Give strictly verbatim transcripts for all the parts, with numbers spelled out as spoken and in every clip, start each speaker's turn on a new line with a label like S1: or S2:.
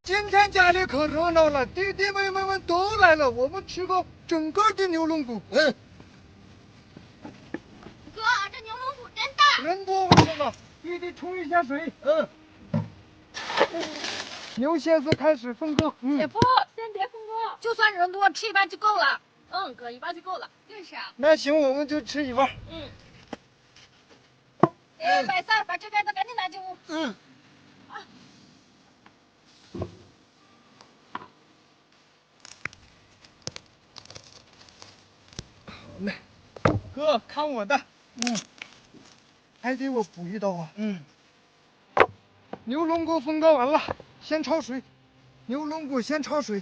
S1: 今天家里可热闹了，弟弟妹妹们都来了，我们吃个整个的牛龙骨。嗯。
S2: 哥，这牛龙骨真大。
S1: 人多为什么？弟弟冲一下水。嗯。牛蝎子开始分割。
S2: 嗯。姐夫，先别分割，就算人多，吃一半就够了。嗯，哥，一半就够了。就是啊。
S1: 那行，我们就吃一半。
S2: 嗯。哎，白三，把这边的赶紧拿进屋。
S1: 嗯。
S2: 啊。
S1: 好嘞，哥，看我的。嗯。还得我补一刀啊。嗯。牛龙骨分割完了，先焯水。牛龙骨先焯水。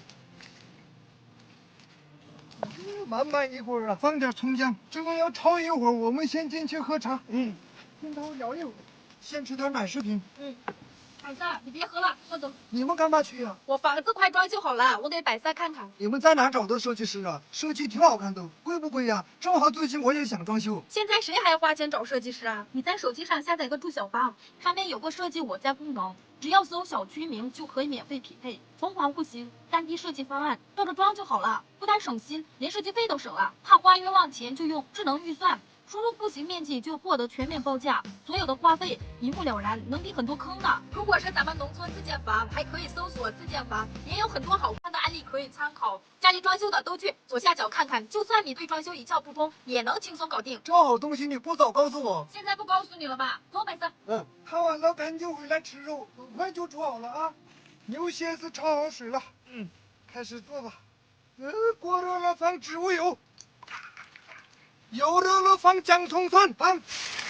S1: 慢慢一会儿啊，放点葱姜，这个要焯一会儿。我们先进去喝茶。嗯。跟他聊一会儿，先吃点奶食品。
S2: 嗯。百三，你别喝了，我走。
S1: 你们干嘛去呀、啊？
S2: 我房子快装修好了，我给百三看看。
S1: 你们在哪找的设计师啊？设计挺好看的，贵不贵呀？正好最近我也想装修。
S2: 现在谁还要花钱找设计师啊？你在手机上下载个住小芳，上面有个设计我家功能，只要搜小区名就可以免费匹配，凤凰户型三 D 设计方案，照着装就好了，不但省心，连设计费都省了。怕花冤枉钱就用智能预算。输入户型面积就获得全面报价，所有的花费一目了然，能抵很多坑呢。如果是咱们农村自建房，还可以搜索自建房，也有很多好看的案例可以参考。家里装修的都去左下角看看，就算你对装修一窍不通，也能轻松搞定。
S1: 这好东西你不早告诉我。
S2: 现在不告诉你了吧？走，百三。
S1: 嗯，看完了赶紧回来吃肉，很快就煮好了啊。牛蝎子焯好水了，嗯，开始做吧。呃，锅热了放植物油。油热了放姜葱蒜放，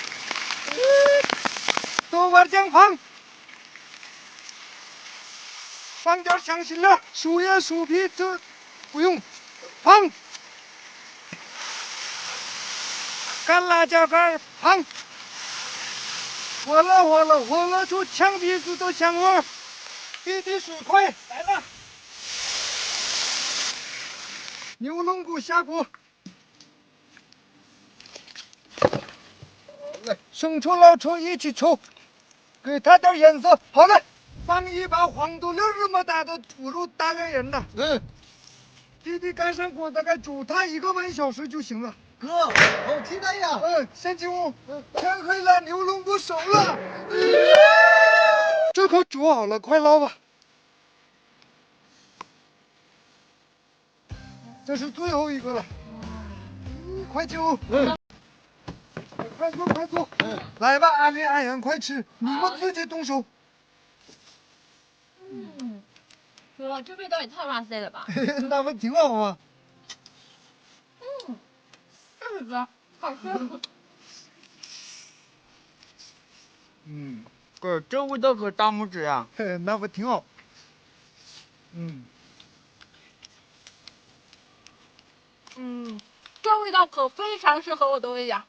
S1: 豆瓣酱放，放点香辛料，树叶树皮这不用放，干辣椒干放，火了火了火了出呛鼻子的香味，一滴水快来了，牛龙骨下锅。生抽、老抽一起抽，给它点颜色。好了，放一把黄豆粒这么大的土肉，大概人的。嗯。弟弟盖上锅，大概煮它一个半小时就行了。哥，好期待呀！嗯，先进屋。嗯，天黑了，牛龙骨熟了。嗯、这可煮好了，快捞吧。这是最后一个了。嗯，快进屋。嗯。快坐，快坐！嗯，来吧，阿林、阿阳，快吃！你们自己动手。
S2: 嗯，哥，这味道也太哇塞了吧！
S1: 那不挺好吗？
S2: 嗯，是的，好吃。
S1: 嗯，哥，这味道可大拇指呀！那不挺好？嗯。
S2: 嗯，这味道可非常适合我的胃呀。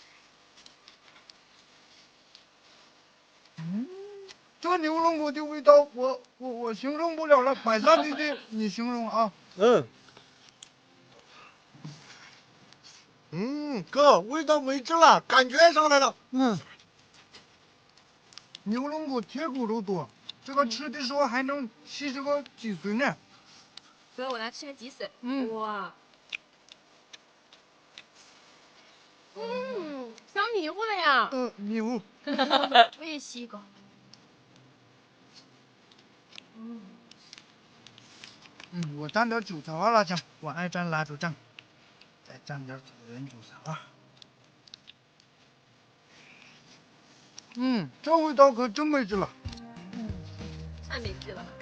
S1: 嗯，这牛龙骨的味道，我我我形容不了了，百三弟弟，你形容啊。嗯。嗯，哥，味道没劲了，感觉上来了。嗯。牛龙骨铁骨肉多，这个吃的时候还能吸这个脊髓呢。
S2: 哥，我来吃个脊髓。
S1: 嗯。
S2: 哇。嗯，香迷糊了呀。
S1: 嗯，迷糊。
S2: 我也吸一个。嗯。
S1: 嗯，我蘸点九层二辣酱，我爱蘸辣椒酱，再蘸点草原九层二。嗯，这味道可真没劲了。
S2: 嗯，太没劲了。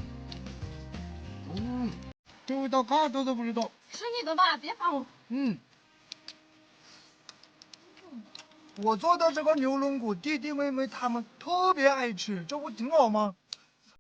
S1: 嗯，这味道嘎子都不知道。
S2: 吃你的吧，别烦我。
S1: 嗯。我做的这个牛龙骨，弟弟妹妹他们特别爱吃，这不挺好吗？